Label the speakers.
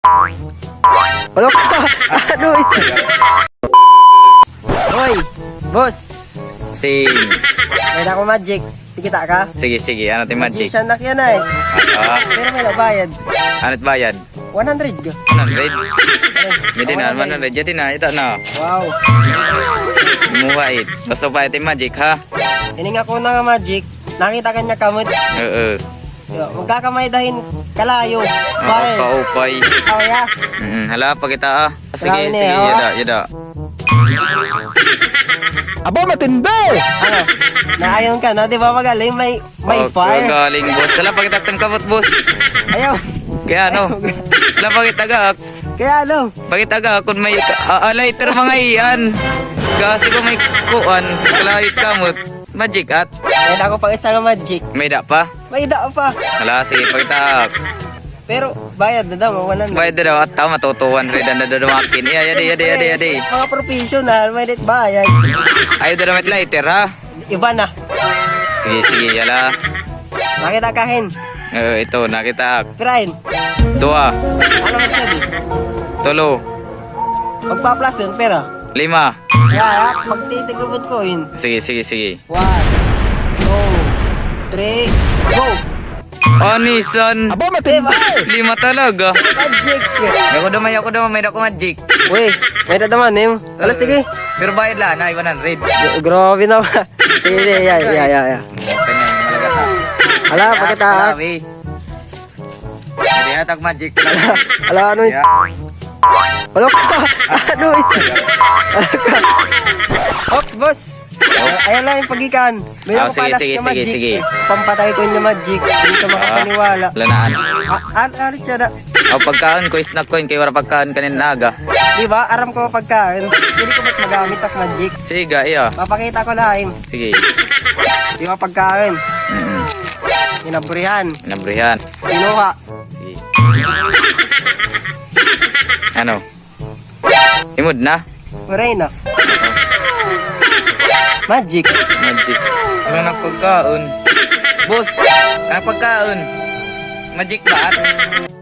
Speaker 1: Wala ka. Ano ito? Hoy, boss.
Speaker 2: Sing.
Speaker 1: May na ako magic. Tikita ka?
Speaker 2: Sige, sige. Ano ti magic?
Speaker 1: Magician na yan ay. Pero may nabayad.
Speaker 2: Ano't bayad?
Speaker 1: 100 ka.
Speaker 2: 100. Hindi na, 100. Jadi na, ito na.
Speaker 1: Wow.
Speaker 2: Muwait. Gusto pa ito magic, ha?
Speaker 1: Hining ako na nga magic. Nakita kanya kamot.
Speaker 2: Oo.
Speaker 1: Magkakamay dahin kalayo. Bye.
Speaker 2: Paupay.
Speaker 1: Oh, yeah.
Speaker 2: Hala, pakita, ah. Sige,
Speaker 1: Grabe
Speaker 2: sige.
Speaker 1: niya, oh.
Speaker 2: Yada, yada.
Speaker 3: Aba, matindi!
Speaker 1: Ano? Naayon ka na, di ba magaling? May fire.
Speaker 2: Galing, boss. Hala, pakita tem kabot, boss.
Speaker 1: Ayaw.
Speaker 2: Kaya ano? Hala, pakita ga.
Speaker 1: Kaya ano?
Speaker 2: Pakita ga. Kung may lighter mga iyan. Kasi kung may kuan, kalahit kamot. Magic at.
Speaker 1: May na ako pang isa nga magic.
Speaker 2: May da pa.
Speaker 1: May dao pa.
Speaker 2: Hala, sige, pakita.
Speaker 1: Pero bayad na daw, wala na.
Speaker 2: Bayad na daw at tao, matutuwan rin na dadamakin. Yadi.
Speaker 1: Mga professional, may dit bayad.
Speaker 2: Ayaw na damit lighter, ha?
Speaker 1: Iba na.
Speaker 2: Sige, yala.
Speaker 1: Nakita kahin.
Speaker 2: Ito, nakita.
Speaker 1: Pirahin.
Speaker 2: Dua,
Speaker 1: Ano man siya di?
Speaker 2: tulo,
Speaker 1: Magpa-plus yun, pera.
Speaker 2: 5.
Speaker 1: Kaya, magtitigubot ko yun.
Speaker 2: Sige.
Speaker 1: 1, 2, 3, go!
Speaker 2: Onisan.
Speaker 3: Aba, matindi!
Speaker 2: 5 talaga.
Speaker 1: Magic!
Speaker 2: Ako daw, may ako magic.
Speaker 1: Uy, may dadaman eh. Wala, sige.
Speaker 2: Pero bayad lang, na 100.
Speaker 1: Grabe naman. Sige, ya.
Speaker 2: Kanya, malaga ta.
Speaker 1: Hala, pakita.
Speaker 2: Grabe. Hindi hatag magic talaga.
Speaker 1: Hala, ano yun? Wala ka. Ano ito? Ops, boss. Ayan lang yung pagikan. May
Speaker 2: Ah,
Speaker 1: ako palas
Speaker 2: sige,
Speaker 1: na magic.
Speaker 2: sige.
Speaker 1: Pampatay ko yung magic. Hindi ka makapaniwala.
Speaker 2: Lanaan.
Speaker 1: Ano siya na?
Speaker 2: Pagkaan ko, snack ko yun, kay wala pagkaan kanin naga.
Speaker 1: Di ba? Aram ko pagkain. Hindi ko ba't magamit ang magic.
Speaker 2: Sige, iya.
Speaker 1: Papakita ko lang.
Speaker 2: Sige.
Speaker 1: Di ba pagkain? Inaburihan.
Speaker 2: Nabrihan.
Speaker 1: Kinuha.
Speaker 2: Sige. Ano? Imod na?
Speaker 1: Muray na. Magic.
Speaker 2: Magic. Ano ng pagkaon? Boss, ano pagkaon? Magic ba?